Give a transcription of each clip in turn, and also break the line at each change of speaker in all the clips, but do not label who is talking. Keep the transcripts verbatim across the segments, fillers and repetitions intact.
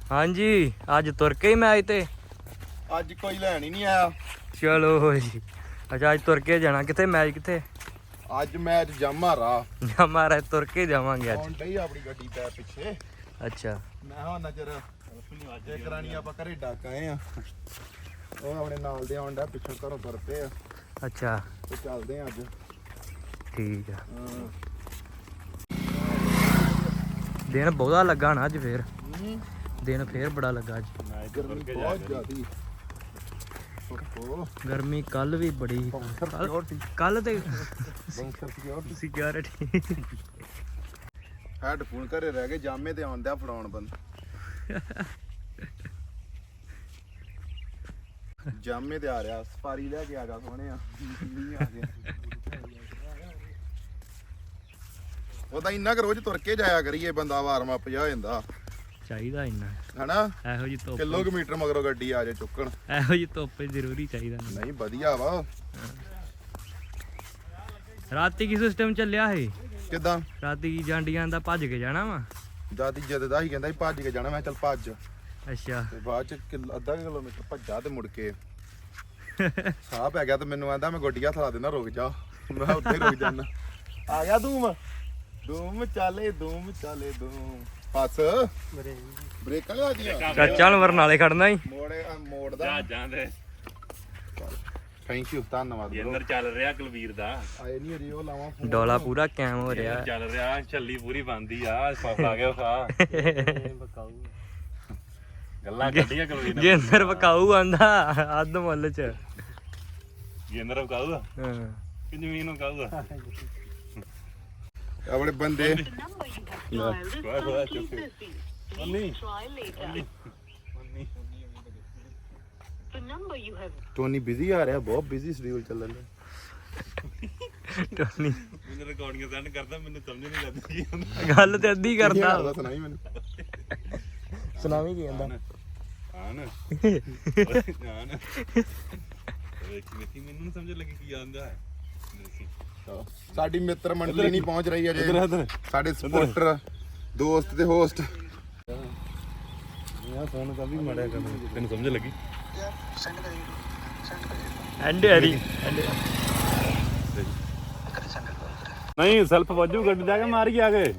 हाँ जी अज तुर के ही मैच ते
ਅੱਜ ਕੋਈ ਲੈਣ ਹੀ ਨਹੀਂ ਆਇਆ।
चलो जी अच्छा अज तुर के जाना किथे मैच किथे
ਅੱਜ ਮੈਚ ਜਮਾਰਾ
हमारा तुर के जावांगे अज
ਹੁਣ ਡਈ ਆਪਣੀ ਗੱਡੀ ਪੈ ਪਿੱਛੇ।
अच्छा
ਮੈਂ ਹਾਂ ਨਜ਼ਰ ਇੱਕ ਰਾਣੀ ਆਪਾਂ ਘਰੇ ਡੱਕ ਆਏ ਆ। ਉਹ ਆਪਣੇ ਨਾਲ ਦੇ ਆਉਂਦਾ ਪਿੱਛੋਂ ਘਰੋਂ ਤੁਰ ਪਏ ਆ
अच्छा
ਤੇ ਚੱਲਦੇ ਆ ਅੱਜ।
ठीक है
ਹਾਂ
दिन बहुता लगा ना अज फिर
ਹੂੰ
दिन फिर बड़ा लगा अज
ਗਰਮੀ ਬਹੁਤ ਜ਼ਿਆਦੀ। ਓਹੋ
गर्मी कल भी बड़ी
ਬਾਉਂਸਰ ਸਿਕਿਉਰਿਟੀ
कल ते
ਬਾਉਂਸਰ ਸਿਕਿਉਰਿਟੀ
सिक्योरिटी
ਹੈਡਫੋਨ ਘਰੇ ਰਹਿ ਗਏ ਜਾਮੇ ਤੇ ਆਉਂਦਾ ਫੜਾਉਣ ਬੰਦ ਜਾਮੇ ਤੇ ਆ ਰਿਹਾ ਸਫਾਰੀ ਲੈ ਕੇ ਆ ਗਿਆ ਸੋਹਣਿਆ ਨਹੀਂ ਆ ਗਿਆ। ਉਹਦਾ ਇੰਨਾ ਕੁ ਰੋਜ਼ ਤੁਰ ਕੇ ਜਾਇਆ ਕਰੀਏ ਬੰਦਾ ਵਾਰਮ ਅਪ ਜਾ ਹੋ ਜਾਂਦਾ
चाहिदा इन्ना
ਹਨਾ।
ਇਹੋ ਜੀ ਧੁੱਪ
ਕਿਲੋਮੀਟਰ ਮਗਰੋਂ ਗੱਡੀ ਆ ਜਾਏ ਚੁੱਕਣ
ਇਹੋ ਜੀ ਧੁੱਪ ਜ਼ਰੂਰੀ ਚਾਹੀਦਾ
ਨਹੀਂ ਵਧੀਆ ਵਾ।
ਰਾਤੀ ਕੀ ਸਿਸਟਮ ਚੱਲਿਆ ਹੈ
ਕਿਦਾਂ
ਰਾਤੀ ਕੀ ਜਾਂਡੀਆਂ ਦਾ ਭੱਜ ਕੇ ਜਾਣਾ ਵਾ
ਦਾਦੀ ਜਦ ਦਾ ਹੀ ਕਹਿੰਦਾ ਸੀ ਭੱਜ ਕੇ ਜਾਣਾ। ਮੈਂ ਚੱਲ ਭੱਜ
ਅੱਛਾ
ਤੇ ਬਾਅਦ ਚ ਕਿਲ- ਅੱਧਾ ਕੁ ਕਿਲੋਮੀਟਰ ਭੱਜਾ ਤੇ ਮੁੜ ਕੇ ਸਾਹ ਪੈ ਗਿਆ ਤੇ ਮੈਨੂੰ ਆਂਦਾ ਮੈਂ ਗੱਡੀ ਹੱਥ ਲਾ ਦੇਣਾ ਰੁਕ ਜਾ। ਮੈਂ ਉੱਥੇ ਰੁਕ ਜਾਣਾ। ਆ ਗਿਆ ਧੂਮ ਧੂਮ ਚਾਲੇ ਧੂਮ ਚਾਲੇ ਧੂਮ ਬਸ ਬ੍ਰੇਕਾਂ ਲਾ ਦੀਆਂ
ਚੱਲ ਵਰਨਾਲੇ ਖੜਨਾ ਹੀ
ਮੋੜੇ ਮੋੜ ਦਾ
ਜਹਾਜ਼ਾਂ ਦੇ
ਥੈਂਕ ਯੂ ਧੰਨਵਾਦ bro।
ਅੰਦਰ ਚੱਲ ਰਿਹਾ ਕੁਲਵੀਰ ਦਾ
ਆਏ ਨਹੀਂ ਅਜੇ ਉਹ ਲਾਵਾਂ ਫੋਨ।
ਡੋਲਾ ਪੂਰਾ ਕੈਮ ਹੋ ਰਿਹਾ
ਚੱਲ ਰਿਹਾ ਛੱਲੀ ਪੂਰੀ ਬੰਦੀ ਆ ਫਸ ਆ ਗਿਆ ਖਾ ਗੱਲਾਂ ਕੱਢੀਆਂ ਕੁਲਵੀਰ ਨੇ
ਜੇ ਅੰਦਰ ਵਕਾਊ ਆਂਦਾ ਅੱਧ ਮੁੱਲ ਚ
ਜਿੰਦਰ ਕਾਊਗਾ
ਹਾਂ
ਕਿ ਜ਼ਮੀਨ ਨੂੰ ਕਾਊਗਾ
ਆਪਣੇ ਬੰਦੇ
ਖਵਾ ਖਵਾ ਚੁੱਪ ਨਹੀਂ
ਟੋਨੀ ਬਿਜ਼ੀ ਆ ਰਿਹਾ ਬਹੁਤ ਬਿਜ਼ੀ ਸ਼ਡਿਊਲ ਚੱਲਣ ਦਾ।
ਟੋਨੀ
ਮੈਨੂੰ ਰਿਕਾਰਡਿੰਗ ਸੈਂਡ ਕਰਦਾ ਮੈਨੂੰ ਸਮਝ ਨਹੀਂ ਲੱਗਦੀ ਕੀ ਹੁੰਦਾ
ਗੱਲ ਤੇ ਅੱਧੀ ਕਰਦਾ
ਉਹਦਾ ਸੁਣਾਈ ਮੈਨੂੰ
ਸੁਣਾਵੀਂ ਕੀ ਕਹਿੰਦਾ
ਹਾਂ ਨਾ ਹਾਂ ਨਾ ਵੇਖੀ ਵੇਖੀ ਮੈਨੂੰ ਨੀ ਸਮਝ ਲੱਗੀ ਕੀ ਆਂਦਾ ਹੈ
ਸਾਡੀ ਮਿੱਤਰ ਮੰਡਲੀ ਨਹੀਂ ਪਹੁੰਚ ਰਹੀ ਅਜੇ।
ਇੱਧਰ
ਸਾਡੇ ਸਪੋਰਟਰ ਦੋਸਤ ਤੇ ਹੋਸਟ
ਯਾ ਫੋਨ ਤਾਂ ਵੀ ਮੜਿਆ ਕਰ ਤੈਨੂੰ ਸਮਝ ਲੱਗੀ
ਐਂਡੇ ਹਰੀ
ਨਹੀਂ ਸੈਲਫ ਵਾਜੂ ਗੱਡੀ ਜਾ ਕੇ ਮਾਰੀ ਆ ਗਏ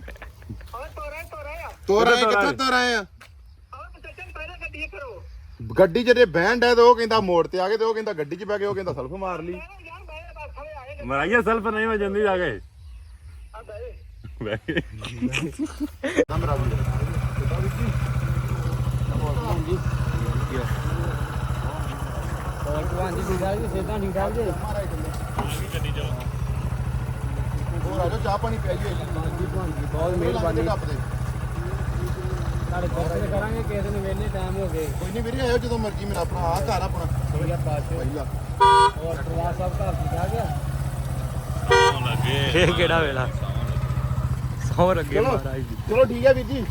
ਤੋਰ ਆਏ ਕਿੱਥੋਂ ਤੋਰ ਆਏ ਆ ਗੱਡੀ ਜਿਹੜੇ ਬੈਂਡ ਹੈ ਤੇ ਉਹ ਕਹਿੰਦਾ ਮੋੜ ਤੇ ਆ ਗਏ ਤੇ ਉਹ ਕਹਿੰਦਾ ਗੱਡੀ 'ਚ ਬੈ ਗਏ ਉਹ ਕਹਿੰਦਾ ਸਲਫ ਮਾਰ ਲਈ
ਮਰਾਈਆ ਸੈਲਫ ਨਹੀਂ ਵਜੰਦੀ ਜਾ ਕੇ ਬੈ ਗਏ
ਨੰਬਰ ਆ ਹੋਰ ਆ ਜਾ ਚਾਹ ਪਾਣੀ ਪਿਆਈਏ ਬਹੁਤ ਮਿਹਰਬਾਨੀ
ਸਾਡੇ ਕੋਲ ਕਰਾਂਗੇ ਕਿਸੇ ਦਿਨ ਵੇਲੇ ਟਾਈਮ ਹੋ ਗਏ
ਕੋਈ ਨਹੀਂ ਵੀਰੇ ਆਇਓ ਜਦੋਂ ਮਰਜ਼ੀ ਮੇਰਾ ਆਪਣਾ ਆ ਘਰ ਆਪਣਾ
ਵਧੀਆ ਪਾਸੇ
ਪਹਿਲਾ
ਹੋਰ ਪ੍ਰਵਾਸ ਸਾਹਿਬ ਘਰ ਦੀ ਜਾ ਗਿਆ
ਸੌਣ ਲੱਗੇ
ਇਹ ਕਿਹੜਾ ਵੇਲਾ ਸੌ ਲੱਗੇ
ਚਲੋ।
ਮਹਾਰਾਜ ਦੀ
ਚਲੋ ਠੀਕ ਹੈ ਵੀਰ ਜੀ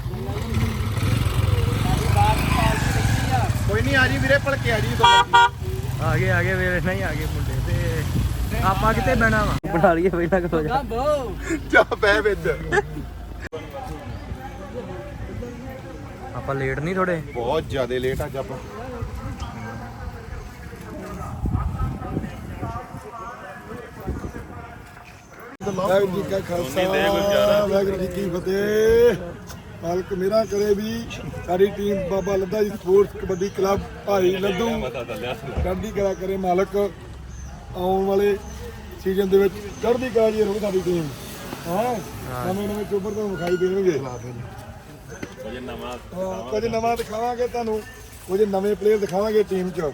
ਕੋਈ ਨਹੀਂ ਆ ਜੀ ਵੀਰੇ ਭਲਕੇ ਆ ਜੀ ਜਦੋਂ ਮਰਜ਼ੀ।
ਆ ਗਏ ਆ ਗਏ ਵੇਲੇ ਨਹੀਂ ਆ ਗਏ ਮੁੰਡੇ ਤੇ ਆਪਾਂ ਕਿੱਥੇ ਬਹਿਣਾ ਵਾ ਬਣਾ ਲਈਏ ਪਹਿਲਾਂ ਕਿਥੋਂ ਜਾ
ਚਾਹ ਪੈ ਵਿੱਚ
ਆਪਾਂ ਲੇਟ ਨਹੀਂ ਥੋੜੇ
ਬਹੁਤ ਜ਼ਿਆਦਾ ਲੇਟ ਅੱਜ ਆਪਾਂ
ਵਾਹਿਗੁਰੂ ਜੀ ਕਾ ਖਾਲਸਾ ਵਾਹਿਗੁਰੂ ਜੀ ਕੀ ਫਤਿਹ। ਮਾਲਕ ਮੇਰਾ ਕਰੇ ਵੀ ਸਾਡੀ ਟੀਮ ਬਾਬਾ ਲੱਦਾ ਜੀ ਸਪੋਰਟਸ ਕਬੱਡੀ ਕਲੱਬ ਭਾਈ ਲੱਦੂ ਚੜ੍ਹਦੀ ਕਲਾ ਕਰੇ ਮਾਲਕ। ਆਉਣ ਵਾਲੇ ਸੀਜ਼ਨ ਦੇ ਵਿੱਚ ਚੜ੍ਹਦੀ ਕਲਾ ਜੀ ਰਹੂ ਸਾਡੀ ਟੀਮ। ਹਾਂ ਨਵੇਂ ਨਵੇਂ ਚੋਬਰ ਤੁਹਾਨੂੰ ਵਿਖਾਈ ਦੇਣਗੇ।
ਕੁਝ ਨਵਾਂ
ਹਾਂ, ਕੁਝ ਨਵਾਂ ਦਿਖਾਵਾਂਗੇ ਤੁਹਾਨੂੰ, ਕੁਝ ਨਵੇਂ ਪਲੇਅਰ ਦਿਖਾਵਾਂਗੇ ਟੀਮ 'ਚ।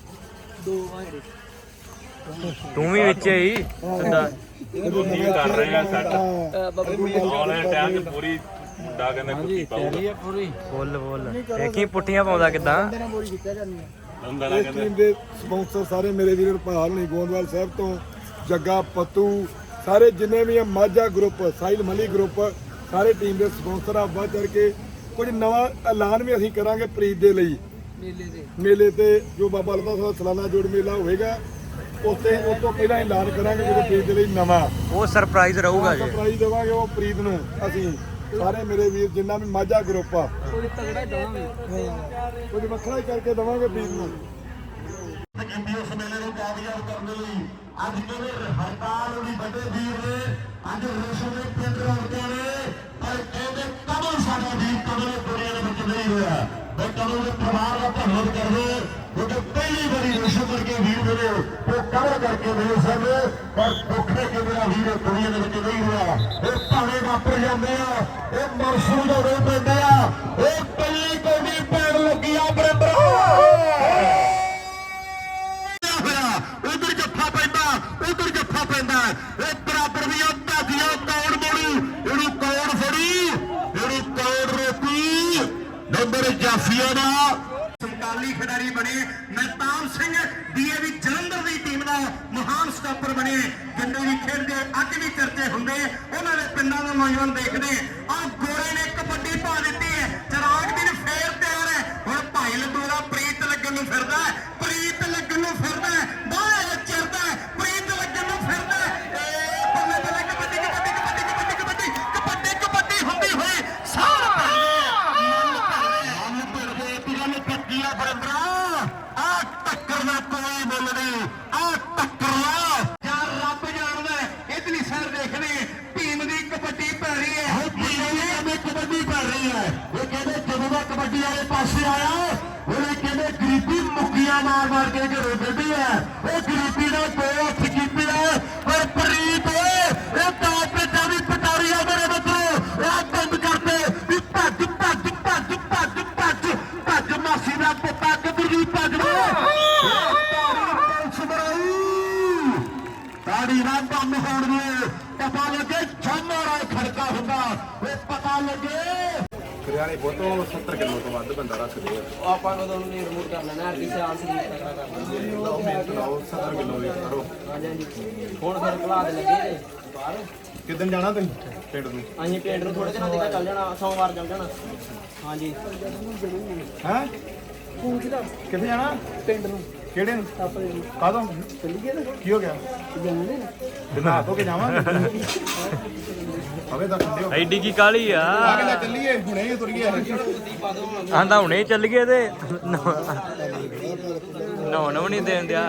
ਤੂੰ ਵੀ ਵਿੱਚ ਹੀ ਸਿੱਧਾ
ਕੀ ਕਰ ਰਹੇ ਆ ਸੈੱਟ
ਹਾਂ
ਆਉਣ ਟਾਈਮ ਤੇ ਪੂਰੀ ਮੁੰਡਾ ਕਹਿੰਦਾ ਕੁੱਤੀ ਪਾਊਗਾ
ਫੁੱਲ ਫੁੱਲ ਦੇਖੀ ਪੁੱਠੀਆਂ ਪਾਉਂਦਾ ਕਿਦਾਂ
ਹੁੰਦਾ ਨਾ
ਇਸ
ਕਹਿੰਦਾ
ਟੀਮ ਦੇ ਸਪਾਂਸਰ ਸਾਰੇ ਮੇਰੇ ਵੀਰ ਭਾਲ ਨਹੀਂ ਗੋਂਦਵਾਲ ਸਾਹਿਬ ਤੋਂ ਜੱਗਾ ਪੱਤੂ ਸਾਰੇ ਜਿੰਨੇ ਵੀ ਆ ਮਾਝਾ ਗਰੁੱਪ ਸਾਹਿਲ ਮਲੀ ਗਰੁੱਪ ਸਾਰੇ ਟੀਮ ਦੇ ਸਪਾਂਸਰ ਆ ਵੱਧ ਚੜ ਕੇ ਕੁਝ ਨਵਾਂ ਐਲਾਨ ਵੀ ਅਸੀਂ ਕਰਾਂਗੇ ਪ੍ਰੀਤ ਦੇ ਲਈ ਮੇਲੇ ਤੇ ਮੇਲੇ ਤੇ ਜੋ ਬਾਬਾ ਲੱਦਾ ਸਾਹਿਬ ਸਾਲਾਨਾ ਜੋੜ ਮੇਲਾ ਹੋਵੇਗਾ ਉੱਥੇ ਉਸ ਤੋਂ ਪਹਿਲਾਂ ਐਲਾਨ ਕਰਾਂਗੇ ਜਦੋਂ ਪ੍ਰੀਤ ਦੇ ਲਈ ਨਵਾਂ
ਉਹ ਸਰਪ੍ਰਾਈਜ਼ ਰਹੂਗਾ ਜੀ
ਸਰਪ੍ਰਾਈਜ਼ ਦੇਵਾਂਗੇ ਉਹ ਪ੍ਰੀਤ ਨੂੰ ਅਸੀਂ ਸਾਰੇ ਮੇਰੇ ਵੀਰ ਜਿੰਨਾ ਵੀ ਮਾਝਾ ਗਰੁੱਪ ਆ ਕੁਝ ਵੱਖਰਾ ਹੀ ਕਰਕੇ ਦਵਾਂਗੇ ਵੀਰ ਨੂੰ।
ਇਸ ਮੇਲੇ ਨੂੰ ਕਾਮਯਾਬ ਕਰਨ ਲਈ ਅੱਜ ਕਿਵੇਂ ਹੜਤਾਲ ਦੀ ਵੱਡੇ ਵੀਰ ਨੇ ਅੱਜ ਰੇਸ਼ਮ ਦੇ ਪਿੰਡ ਰੌਣਕਾਂ ਨੇ ਪਰ ਕਹਿੰਦੇ ਕਦੋਂ ਸਾਡਾ ਵੀਰ ਕਦੋਂ ਦੁਨੀਆ ਦੇ ਵਿੱਚ ਨਹੀਂ ਹੋਇਆ ਮੈਂ ਕਦੋਂ ਦੇ ਪਰਿਵਾਰ ਦਾ ਧੰਨਵਾਦ ਕਰਦੇ ਕਿਉਂਕਿ ਪਹਿਲੀ ਵਾਰੀ ਰੇਸ਼ਮ ਵਰਗੇ ਵੀਰ ਮੇਰੇ ਉਹ ਕਵਰ ਕਰਕੇ ਮੇਰੇ ਸਨ ਪਰ ਦੁੱਖੇ ਕਿ ਮੇਰਾ ਵੀਰ ਦੁਨੀਆ ਦੇ ਵਿੱਚ ਨਹੀਂ ਹੋਇਆ ਇਹ ਭਾਵੇਂ ਵਾਪਰ ਜਾਂਦੇ ਆ ਇਹ ਮਰਸੂ ਦਾ ਰੋ ਪੈਂਦੇ ਆ ਇਹ ਪਹਿਲੀ ਕੌਡੀ ਪੈਣ ਲੱਗੀ ਆ ਬਰਬਰ ਉਧਰ ਜੱਫਾ ਪੈਂਦਾ ਉਧਰ ਜੱਫਾ ਪੈਂਦਾ ਇਹ ਬਰਾਬਰ ਦੀਆਂ ਧਾਦੀਆਂ ਕੌਣ ਮੋੜੂ ਇਹਨੂੰ ਕੌਣ ਫੜੀ ਇਹਨੂੰ ਕੌਣ ਰੋਕੀ ਨੰਬਰ ਜਾਫੀਆ ਦਾ ਸਮਕਾਲੀ ਖਿਡਾਰੀ ਬਣੇ ਮਹਿਤਾਬ ਸਿੰਘ ਡੀਏਵੀ ਜਲੰਧਰ ਦੀ ਟੀਮ ਦਾ ਮਹਾਨ ਸਟਾਪਰ ਬਣੇ ਜਿੰਨੇ ਵੀ ਖੇਡਦੇ ਅੱਜ ਵੀ ਚਰਚੇ ਹੁੰਦੇ ਉਹਨਾਂ ਦੇ ਪਿੰਡਾਂ ਦਾ ਨੌਜਵਾਨ ਦੇਖਦੇ ਆਹ ਗੋਰੇ ਨੇ ਕਬੱਡੀ ਪਾ ਦਿੱਤੀ ਹੈ ਚਰਾਗ ਦਿਨ ਫੇਰ ਤਿਆਰ ਹੈ ਹੁਣ ਭਾਈ ਲੱਡੂ ਦਾ ਪ੍ਰੀਤ ਲੱਗਣ ਨੂੰ ਫਿਰਦਾ ਪ੍ਰੀਤ ਲੱਗਣ ਨੂੰ ਫਿਰਦਾ ਬਾਹਰ ਚਿਰਦਾ ਪ੍ਰੀਤ ਲੱਗਣ ਨੂੰ ਫਿਰਦਾ ਏ ਬੱਲੇ ਬੱਲੇ ਕਬੱਡੀ ਕਬੱਡੀ ਕਬੱਡੀ ਕਬੱਡੀ ਕਬੱਡੀ ਕਬੱਡੀ ਕਬੱਡੀ ਹੁੰਦੀ ਹੋਈ ਸਾਰ ਮਨ ਭਰਦੇ ਤੁਰਨ ਪੱਕੀਆਂ ਬਰਬਰਾ ਆ ਟੱਕਰ ਦਾ ਕੋਈ ਮੁੱਲ ਨਹੀਂ ਆ ਟੱਕਰ ਲਾ ਯਾਰ ਰੱਬ ਜਾਣਦਾ ਇਤਨੀ ਸਰ ਦੇਖਦੇ ਟੀਮ ਦੀ ਕਬੱਡੀ ਪੈ ਰਹੀ ਹੈ ਹੁਣ ਟੀਮ ਦੀ ਕਬੱਡੀ ਪੈ ਰਹੀ ਹੈ ਇਹ ਕਹਿੰਦੇ ਜਦੋਂ ਦਾ ਕਬੱਡੀ ਵਾਲੇ ਪਾਸੇ ਆਇਆ ਉਹਨੇ ਕਹਿੰਦੇ ਗਰੀਬੀ ਮੁੱਕੀਆਂ ਮਾਰ ਮਾਰ ਕੇ ਘਰੋਂ ਕੱਢੀ ਹੈ ਉਹ ਗਰੀਬੀ ਦਾ ਦੋ ਹੱਥ ਕੀਤੀ ਹੈ ਪਰ ਪ੍ਰੀਤ ਇਹ ਤਾਂ ਪਿੱਛਾ ਵੀ ਪਟਾਰੀ ਆ ਮੇਰੇ ਬੱਚੋ ਇਹ ਬੰਦ ਕਰਦੇ ਵੀ ਭੱਜ ਭੱਜ ਭੱਜ ਭੱਜ ਭੱਜ ਭੱਜ ਮਾਸੀ ਦਾ ਪੁੱਤਾ ਕਿੱਧਰ ਦੀ ਭੱਜ ਤਾੜੀ ਨਾਲ ਕੰਮ ਹੋਣ ਦੇ ਪਤਾ ਲੱਗੇ ਛਾਮਾ ਖੜਕਾ ਹੁੰਦਾ ਉਹ ਪਤਾ ਲੱਗੇ
ਕਰਿਆਣੇ ਬੋਤੋਂ ਸੱਤਰ ਕਿਲੋ ਤੋਂ ਵੱਧ ਬੰਦਾ ਰੱਖਦੇ ਆ
ਆਪਾਂ ਕਦੋਂ ਨੂੰ ਨਹੀਂ ਰਿਮੂਵ ਕਰ ਲੈਣਾ ਅੱਗੇ ਸਿਆਲ ਸੀ ਤਕੜਾ ਕਰ ਲੈਣਾ
ਲਓ ਮਿਹਨਤ ਲਾਓ ਸੱਤਰ ਕਿਲੋ ਵੇਟ ਕਰੋ
ਹਾਂਜੀ ਹਾਂਜੀ ਹੁਣ ਫਿਰ ਭਲਾ ਦੇ ਲੱਗੇ ਜੇ ਬਾਹਰ
ਕਿੱਦਣ ਜਾਣਾ ਤੁਸੀਂ ਪਿੰਡ ਨੂੰ
ਅਸੀਂ ਪਿੰਡ ਨੂੰ ਥੋੜੇ ਦਿਨਾਂ ਤੱਕ ਚੱਲ ਜਾਣਾ ਸੋਮਵਾਰ ਚੱਲ ਜਾਣਾ ਹਾਂਜੀ
ਹੈ ਕਿੱਥੇ ਜਾਣਾ
ਪਿੰਡ ਨੂੰ
ਕਿਹੜੇ ਨੂੰ ਕਾਹਦੋਂ
ਚੱਲੀਏ ਨਾ
ਕੀ ਹੋ ਗਿਆ
ਜਾਣੇ
ਬਿਨਾ ਧੋ ਕੇ ਜਾਵਾਂਗੇ ਹਵੇ ਤਾਂ ਠੰਡੇ ਹੋ
ਐਡੀ ਕੀ ਕਾਲੀ ਆ
ਆ ਕੇ ਲੈ ਚੱਲੀਏ ਹੁਣੇ ਹੀ ਤੁਰੀਏ
ਆਂਦਾ ਹੁਣੇ ਚੱਲ ਗਏ ਤੇ ਨੋ ਨੋ ਨਹੀਂ ਦੇਣ ਦਿਆ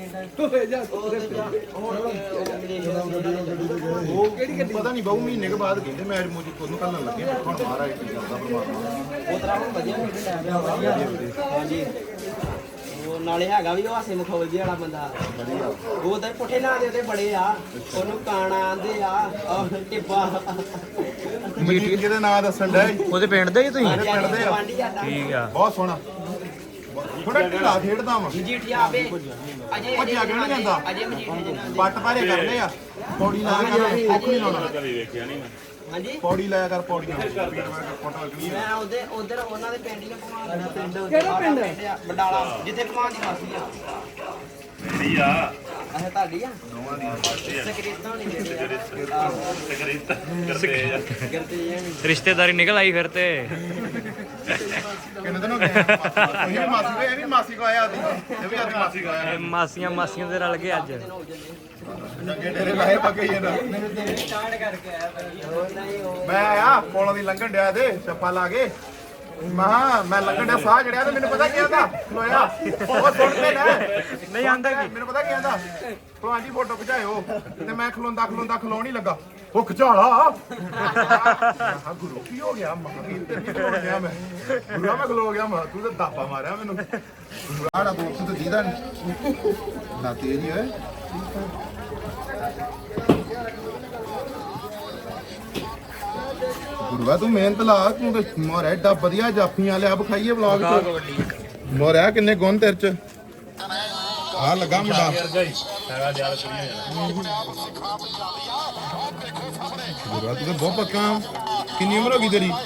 ਪਤਾ ਨਹੀਂ ਬਹੁ ਮਹੀਨੇ ਕੇ ਬਾਅਦ ਕਹਿੰਦੇ ਮੈਚ ਮੂਜੀ ਕੋਨੂੰ ਕੱਲਣ ਲੱਗੇ ਹੁਣ ਮਹਾਰਾਜ ਕੀ ਕਰਦਾ ਪਰਮਾਤਮਾ
ਉਹ ਤਰ੍ਹਾਂ ਹੁਣ ਵਧੀਆ ਖੇਡ ਲੈ ਵਧੀਆ ਹਾਂਜੀ ਉਹ ਨਾਲੇ ਹੈਗਾ ਵੀ ਉਹ ਹਾਸੇ ਮਖੌਲਜੀ ਵਾਲਾ ਬੰਦਾ ਉਹ ਤਾਂ ਪੁੱਠੇ ਨਾਂ ਦੇ ਉਹਦੇ ਬੜੇ ਆ ਉਹਨੂੰ ਕਾਣਾ ਆਂਦੇ ਆ ਔਰ ਟਿੱਬਾ
ਮੀਟਿੰਗ ਜਿਹਦੇ ਨਾਂ ਦੱਸਣ ਡਿਆ ਸੀ,
ਉਹਦੇ ਪਿੰਡ ਦੇ ਹੀ ਤੁਸੀਂ
ਮੇਰੇ ਪਿੰਡ ਦੇ ਆ
ਗਵਾਂਢੀ ਸਾਡਾ
ਠੀਕ ਆ
ਬਹੁਤ ਸੋਹਣਾ ਥੋੜਾ ਢਿੱਲਾ ਖੇਡਦਾ ਵਾ
ਮਜੀਠੀਆ ਆਵੇ ਅਜੇ
ਭੱਜਿਆ ਕਿਉਂ ਨਹੀਂ ਜਾਂਦਾ?
ਅਜੇ ਮਜੀਠੀਆ ਜਿਹਨਾਂ ਦੇ
ਪੱਟ ਭਾਰੇ ਕਰਨੇ ਆ ਪੌੜੀ ਲਾਇਆ ਕਰ ਕੁੱਖ ਨਹੀਂ ਲਾਉਣਾ
ਕਦੀ ਵੇਖਿਆ ਨਹੀਂ ਮੈਂ
ਹਾਂਜੀ
ਪੌੜੀ ਲਾਇਆ ਕਰ ਪੌੜੀਆਂ ਸਪੀਡ ਵਾਰ ਫੋਟੋ ਲੱਗਣੀ
ਮੈਂ ਉਹਦੇ ਉਧਰ ਉਹਨਾਂ ਦੇ ਪਿੰਡ ਹੀ ਘੁਮਾ ਦੇਣਾ ਪਿੰਡ ਕਿਹੜਾ ਪਿੰਡ ਬਡਾਲਾ ਜਿੱਥੇ ਘੁਮਾ ਦੀ ਮਾਸੀ ਆ
ਮੇਰੀ ਆ
ਅੱਛਾ ਤੁਹਾਡੀ ਆ
ਦੋਵਾਂ ਦੀਆਂ
ਸਕਰੀਤਾਂ ਨਹੀਂ ਦਿੰਦੇ
ਤਕਰੀਤ ਕਰਦੇ ਆ
ਗਰਤੇ ਜਾਨੀ
ਰਿਸ਼ਤੇਦਾਰੀ ਨਿਕਲ ਆਈ ਫਿਰ ਤੇ
ਕਿੰਨੇ ਦਿਨ ਹੋ ਗਏ ਇਹ ਵੀ ਮਾਸੀ ਕੋ ਇਹ ਵੀ ਮਾਸੀ ਕੋ ਆਇਆ ਸੀ ਇਹ ਵੀ ਅੱਜ ਮਾਸੀ ਕੋ ਆਇਆ
ਇਹ ਮਾਸੀਆਂ ਮਾਸੀਆਂ ਦੇ ਰਲ ਗਏ ਅੱਜ
ਜੱਗੇ ਡੇਰੇ ਲਾਏ ਪੱਕੇ ਜਾਂਦਾ
ਸਟਾਰਟ ਕਰਕੇ ਆਇਆ ਭਾਈ ਨਹੀਂ ਉਹ
ਮੈਂ ਆਇਆ ਪੋਲਾਂ ਦੀ ਲੰਘਣ ਡਿਆ ਤੇ ਛੱਪਾ ਲਾ ਕੇ ਮਹਾ ਮੈਂ ਲੰਘਣ ਡਿਆ ਸਾਹ ਜੜਿਆ ਤੇ ਮੈਨੂੰ ਪਤਾ ਕੀ ਆਂਦਾ ਖਲੋਇਆ ਉਹ ਸੁਣ ਕੇ ਨਾ
ਨਹੀਂ ਆਂਦਾ ਕੀ
ਮੈਨੂੰ ਪਤਾ ਕੀ ਆਂਦਾ ਭਲਵਾਨ ਜੀ ਫੋਟੋ ਖਿਚਾਇਓ ਤੇ ਮੈਂ ਖਲੋਂਦਾ ਖਲੋਂਦਾ ਖਲੋਣ ਹੀ ਲੱਗਾ ਉਹ ਖਿਚਾਲਾ ਹਾਂ ਗੁਰੂ ਕੀ ਹੋ ਗਿਆ ਮਾਂ ਕੀ ਤੇ ਖਲੋ ਗਿਆ ਮੈਂ ਗੁਰੂ ਮੈਂ ਖਲੋ ਗਿਆ ਮਾਂ ਤੂੰ ਤਾਂ ਦਾਪਾ ਮਾਰਿਆ ਮੈਨੂੰ ਆੜਾ ਦੋਸਤ ਤੇ ਦੀਦਾ ਨਾ ਤੇਜ਼ ਹੀ ਹੈ ਗੁਰੂਆ ਤੂੰ ਮਿਹਨਤ ਲਾ ਤੂੰ ਤੇ ਮੋਰਿਆ ਏਡਾ ਵਧੀਆ ਜਾਫੀਆਂ ਲਿਆ ਵਿਖਾਈਏ ਵਲੌਗ ਚ ਮੋਰਿਆ ਕਿੰਨੇ ਗੁਣ ਤੇਰੇ ਚ ਆ ਲੱਗਾ ਮੁੰਡਾ ਗੁਰੂਆ ਤੂੰ ਤਾਂ ਬਹੁਤ ਪੱਕਾ ਕਿੰਨੀ ਉਮਰ ਹੋ ਗਈ ਤੇਰੀ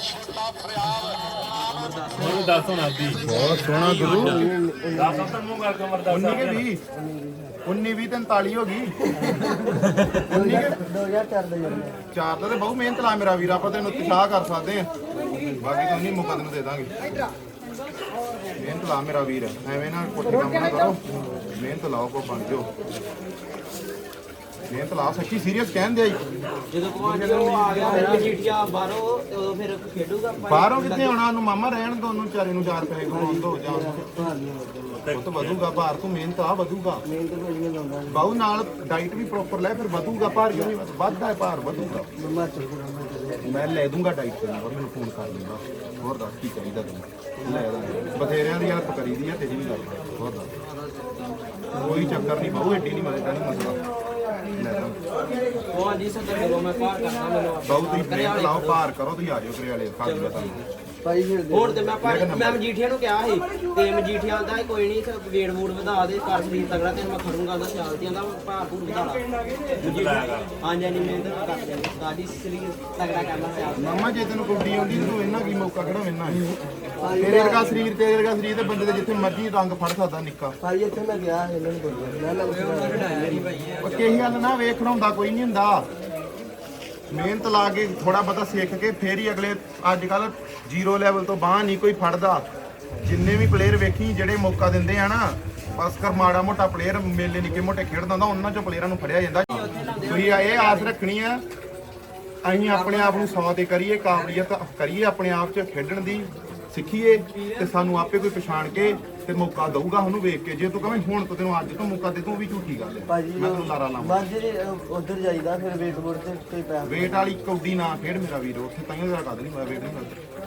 ਮੈਨੂੰ ਦੱਸ ਹੁਣ ਆਪਦੀ
ਬਹੁਤ ਸੋਹਣਾ ਗੁਰੂ
ਦੱਸ ਤਾਂ ਮੂੰਹ ਕਰ ਕਮਰ ਦੱਸ
ਉੱਨੀ ਕੇ ਵੀਹ ਉੱਨੀ ਵੀਹ ਤੈਂਤਾਲੀ ਹੋ ਗਈ ਉੱਨੀ ਕੇ
ਦੋ ਹਜ਼ਾਰ ਚਾਰ ਦਾ ਯਾਰ
ਚਾਰ ਦਾ ਤੇ ਬਹੁਤ ਮਿਹਨਤ ਲਾ ਮੇਰਾ ਵੀਰ ਆਪਾਂ ਤੈਨੂੰ ਉਤਸ਼ਾਹ ਕਰ ਸਕਦੇ ਆ ਬਾਕੀ ਤਾਂ ਨਹੀਂ ਮੁਕੱਦਮ ਦੇ ਦਾਂਗੇ ਮਿਹਨਤ ਲਾ ਮੇਰਾ ਵੀਰ ਐਵੇਂ ਨਾ ਕੋਠੇ ਕੰਮ ਨਾ ਕਰੋ ਮਿਹਨਤ ਲਾਓ ਕੋ ਬਣ ਜਾਓ ਮਿਹਨਤ ਲਾ ਸੱਚੀ ਸੀਰੀਅਸ ਕਹਿੰਦੇ ਆਈ
ਜਦੋਂ ਭਗਵਾਨ ਜੀ ਉਹ ਆ ਗਿਆ ਫਿਰ ਮਜੀਠੀਆ ਬਾਹਰੋਂ ਤੇ ਉਦੋਂ ਫਿਰ ਖੇਡੂਗਾ ਭਾਈ।
ਬਾਹਰੋਂ ਕਿੱਥੇ ਆਉਣਾ ਉਹਨੂੰ ਮਾਮਾ ਰਹਿਣ ਦੋ ਉਹਨੂੰ ਵਿਚਾਰੇ ਨੂੰ ਚਾਰ ਪੈਸੇ ਕਮਾਉਣ ਦੋ ਜਾਂ ਉਹ ਤਾਂ ਵਧੂਗਾ ਭਾਰ ਤੂੰ ਮਿਹਨਤ ਆ ਵਧੂਗਾ
ਮਿਹਨਤ ਕੋਈ ਨਹੀਂ ਲਾਉਂਦਾ
ਬਾਹੂ ਨਾਲ ਡਾਈਟ ਵੀ ਪ੍ਰੋਪਰ ਲੈ ਫਿਰ ਵਧੂਗਾ ਭਾਰ ਕਿਉਂ ਨਹੀਂ ਵੱਧ- ਵੱਧਦਾ ਹੈ ਭਾਰ ਵਧੂਗਾ
ਮੰਮਾ ਚੱਲ ਪੁਰਾਣਾ
ਮੈਂ ਲੈ ਦੂੰਗਾ ਡਾਈਟ ਤੇ ਨੰਬਰ ਮੈਨੂੰ ਫੋਨ ਕਰ ਲੂੰਗਾ ਹੋਰ ਦੱਸ ਕੀ ਚਾਹੀਦਾ ਤੈਨੂੰ ਲੈ ਦਾਂਗੇ ਬਥੇਰਿਆਂ ਦੀ ਹੈਲਪ ਕਰੀਦੀ ਆ ਤੇਰੀ ਵੀ ਕਰਦਾ ਹੋਰ ਦੱਸ ਕੋਈ ਚੱਕਰ ਨਹੀਂ ਬਾਹੂ ਐਡੀ ਨਹੀਂ ਮਦਦ ਨਹੀਂ ਮਸਲਾ ਲੈ ਦਾਂਗੇ
ਭਗਵਾਨ ਜੀ ਸੱਚ ਬੋਲੋ ਮੈਂ ਪਾਰ ਕਰਦਾ ਮੈਨੂੰ
ਬਾਹੂ ਤੁਸੀਂ ਮਿਹਨਤ ਲਾਓ ਭਾਰ ਕਰੋ ਤੁਸੀਂ ਆ ਜਾਓ ਕਰੇ ਵਾਲੇ ਕਰ ਦਿਓ ਤੁਹਾਨੂੰ
ਭਾਈ ਹੁਣ ਤੇ ਮੈਂ ਭਾਈ ਮੈਂ ਮਜੀਠੀਆ ਨੂੰ ਕਿਹਾ ਸੀ ਤੇ ਮਜੀਠੀਆ ਆਂਦਾ ਸੀ ਕੋਈ ਨਹੀਂ ਵੇਟ ਵੂਟ ਵਧਾ ਦੇ ਕਰ ਸਰੀਰ ਤਗੜਾ ਤੇ ਮੈਂ ਖੜੂੰਗਾ ਉਹਦਾ ਚਾਲ ਤੇ ਆਂਦਾ ਭਾਰ ਭੂਰ ਵਧਾ ਲਾ ਹਾਂਜੀ ਹਾਂਜੀ ਮਿਹਨਤ ਮੈਂ ਕਰ ਦਿਆਂਗਾ ਸਾਡੀ ਸਰੀਰ ਤਗੜਾ ਕਰਨਾ ਚਾਲ
ਮਾਮਾ ਜੇ ਤੈਨੂੰ ਕੁੱਡੀ ਆਉਂਦੀ ਤੂੰ ਇਹਨਾਂ ਕੀ ਮੌਕਾ ਖੜਾ ਮੈਨਾਂ ਤੇਰੇ ਵਰਗਾ ਸਰੀਰ ਤੇਰੇ ਵਰਗਾ ਸਰੀਰ ਤੇ ਬੰਦੇ ਦੇ ਜਿੱਥੇ ਮਰਜ਼ੀ ਰੰਗ ਫੜ ਸਕਦਾ ਨਿੱਕਾ
ਭਾਈ ਇੱਥੇ ਮੈਂ ਗਿਆ ਇਹਨਾਂ ਨੂੰ ਬੋਲਿਆ ਮੈਂ ਲੱਗ
ਉਹ ਕਹੀ ਗੱਲ ਨਾ ਵੇਖ ਹੁੰਦਾ ਕੋਈ ਨਹੀਂ ਹੁੰਦਾ ਮਿਹਨਤ ਲਾ ਕੇ ਥੋੜਾ ਬਹੁਤਾ ਸਿੱਖ ਕੇ ਫੇਰ ਹੀ ਅਗਲੇ ਅੱਜ ਕੱਲ ਜ਼ੀਰੋ ਲੈਵਲ ਤੋਂ ਬਾਹਰ ਨਹੀਂ ਕੋਈ ਫੜਦਾ ਜਿੰਨੇ ਵੀ ਪਲੇਅਰ ਵੇਖੀ ਜਿਹੜੇ ਮੌਕਾ ਦਿੰਦੇ ਆ ਨਾ ਬਸ ਕਰ ਮਾੜਾ ਮੋਟਾ ਪਲੇਅਰ ਮੇਲੇ ਨਿੱਕੇ ਮੋਟੇ ਖੇਡਦਾ ਹੁੰਦਾ ਉਹਨਾਂ ਚੋਂ ਪਲੇਅਰਾਂ ਨੂੰ ਫੜਿਆ ਜਾਂਦਾ ਤੁਸੀਂ ਇਹ ਆਸ ਰੱਖਣੀ ਆ ਅਸੀਂ ਆਪਣੇ ਆਪ ਨੂੰ ਸੌ ਤੇ ਕਰੀਏ ਕਾਬਲੀਅਤ ਕਰੀਏ ਆਪਣੇ ਆਪ 'ਚ ਖੇਡਣ ਦੀ ਸਿੱਖੀਏ ਤੇ ਸਾਨੂੰ ਆਪੇ ਕੋਈ ਪਛਾਣ ਕੇ ਤੇ ਮੌਕਾ ਦਊਗਾ ਉਹਨੂੰ ਵੇਖ ਕੇ ਜੇ ਤੂੰ ਕਵੇਂ ਹੁਣ ਤੋਂ ਤੈਨੂੰ ਅੱਜ ਤੋਂ ਮੌਕਾ ਦੇ ਤੂੰ ਵੀ ਝੂਠੀ ਗੱਲ ਹੈ ਮੈਂ ਤੈਨੂੰ ਲਾਰਾ ਲਾਵਾਂ
ਮਾਝੇ ਉਧਰ ਜਾਈਦਾ ਫਿਰ ਵੇਟ ਵੂਟ ਤੇ ਕੋਈ ਪੈਸਾ
ਵੇਟ ਵਾਲੀ ਕੌਡੀ ਨਾ ਖੇਡ ਮੇਰਾ ਵੀਰ ਉੱਥੇ ਤਾਈਓ ਜਰਾ ਕਦ ਨਹੀਂ ਮੈਂ ਵੇਟ ਨਹੀਂ ਕਰਦਾ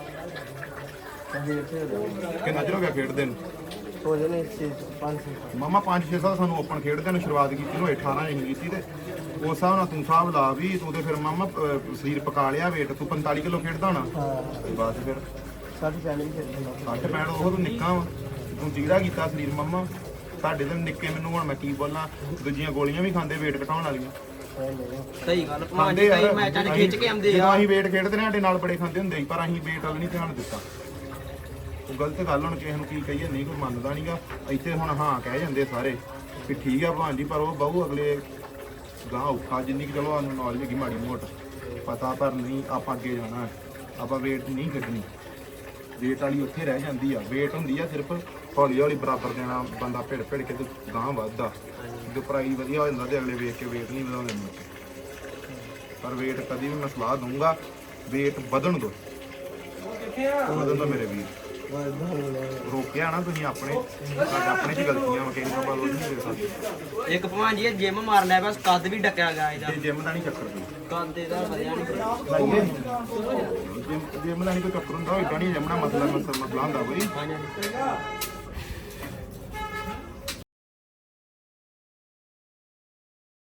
ਕਿੰਨਾ ਚਿਰ ਹੋ ਗਿਆ ਖੇਡਦੇ ਨੂੰ
ਹੋ ਜਾਣੇ ਛੇ ਪੰਜ ਛੇ
ਮਾਮਾ ਪੰਜ ਛੇ ਸਾਲ ਸਾਨੂੰ ਓਪਨ ਖੇਡਦੇ ਨੂੰ ਸ਼ੁਰੂਆਤ ਕੀਤੀ ਨੂੰ ਅਠਾਰਾਂ ਇੰਚ ਕੀਤੀ ਤੇ ਉਸ ਹਿਸਾਬ ਨਾਲ ਤੂੰ ਹਿਸਾਬ ਲਾ ਵੀ ਤੂੰ ਤੇ ਫਿਰ ਮਾਮਾ ਅਹ, ਸਰੀਰ ਪਕਾ ਲਿਆ ਵੇਟ ਤੂੰ ਪੰਤਾਲੀ ਕਿਲੋ ਖੇਡਦਾ ਹੋਣਾ
ਹਾਂ
ਤੇ ਬਸ ਫਿਰ
ਸਾਡੀ ਫੈਮਿਲੀ ਖੇਡਦਾ
ਸੱਠ ਪੈਂਹਠ ਉਹ ਤੂੰ ਨਿੱਕਾ ਵਾ ਤੂੰ ਜਿਹੜਾ ਕੀਤਾ ਸਰੀਰ ਮਾਮਾ ਸਾਡੇ ਤੇ ਨਿੱਕੇ ਮੈਨੂੰ ਹੁਣ ਮੈਂ ਕੀ ਬੋਲਾਂ ਦੂਜੀਆਂ ਗੋਲੀਆਂ ਵੀ ਖਾਂਦੇ ਵੇਟ ਘਟਾਉਣ ਵਾਲੀਆਂ
ਸਹੀ ਗੱਲ ਭਗਵਾਨ ਜੀ ਕਈ ਮੈਚਾਂ 'ਚ ਖਿੱਚ ਕੇ ਆਉਂਦੇ
ਜਦੋਂ
ਆ
ਅਸੀਂ ਵੇਟ ਖੇਡਦੇ ਨੇ ਸਾਡੇ ਨਾਲ ਬੜੇ ਖਾਂਦੇ ਹੁੰਦੇ ਸੀ ਪਰ ਅਸੀਂ ਵੇਟ ਵੱਲ ਨਹੀਂ ਧਿਆਨ ਦਿੱਤਾ ਉਹ ਗਲਤ ਗੱਲ ਹੁਣ ਕਿਸੇ ਨੂੰ ਕੀ ਕਹੀਏ ਨਹੀਂ ਕੋਈ ਮੰਨਦਾ ਨਹੀਂਗਾ ਇੱਥੇ ਹੁਣ ਹਾਂ ਕਹਿ ਜਾਂਦੇ ਸਾਰੇ ਵੀ ਠੀਕ ਆ ਭਾਂ ਜੀ ਪਰ ਉਹ ਬਹੁ ਅਗਲੇ ਗਾਂ ਔਖਾ ਜਿੰਨੀ ਕਿ ਚਲੋ ਸਾਨੂੰ ਨੌਲੇਜ ਹੈਗੀ ਮਾੜੀ ਮੋਟ ਪਤਾ ਪਰ ਨਹੀਂ ਆਪਾਂ ਅੱਗੇ ਜਾਣਾ ਹੈ ਆਪਾਂ ਵੇਟ ਨਹੀਂ ਕੱਢਣੀ ਵੇਟ ਵਾਲੀ ਉੱਥੇ ਰਹਿ ਜਾਂਦੀ ਆ ਵੇਟ ਹੁੰਦੀ ਆ ਸਿਰਫ ਹੌਲੀ ਹੌਲੀ ਬਰਾਬਰ ਦੇਣਾ ਬੰਦਾ ਭਿੜ ਭਿੜ ਕੇ ਤੇ ਗਾਂ ਵੱਧਦਾ ਜੇ ਪ੍ਰਾਈਜ਼ ਵਧੀਆ ਹੋ ਜਾਂਦਾ ਤੇ ਅਗਲੇ ਵੇਖ ਕੇ ਵੇਟ ਨਹੀਂ ਵਧਾਉਂਦੇ ਮੁੜ ਪਰ ਵੇਟ ਕਦੀ ਵੀ ਮੈਂ ਸਲਾਹ ਦਊਂਗਾ ਵੇਟ ਵਧਣ ਦੋ ਵਧਣ ਦੋ ਮੇਰੇ ਵੀਰ ਰੋਕਿਆ ਨਾ ਤੁਸੀਂ ਆਪਣੇ ਸਾਡੇ ਆਪਣੇ ਚ ਗਲਤੀਆਂ ਵਾ ਕਿਸੇ ਨੂੰ ਬੋਲ ਨਹੀਂ ਦੇ ਸਕਦੇ
ਇੱਕ ਭਗਵਾਨ ਜੀ ਜਿਮ ਮਾਰ ਲਿਆ ਬਸ ਕੱਦ ਵੀ ਡੱਕਿਆ ਗਿਆ ਇਹਦਾ
ਤੇ ਜਿਮ ਦਾ ਨਹੀਂ ਚੱਕਰ ਕੋਈ
ਕੱਦ ਇਹਦਾ ਵਧਿਆ ਨਹੀਂ
ਲਾਈਏ ਜਿਮ ਜਿਮ ਦਾ ਨਹੀਂ ਕੋਈ ਚੱਕਰ ਹੁੰਦਾ ਏਦਾਂ ਨਹੀਂ ਜਿਮ ਦਾ ਮਸਲਾ ਮਸਲਾ ਹੁੰਦਾ ਕੋਈ
ਹਾਂਜੀ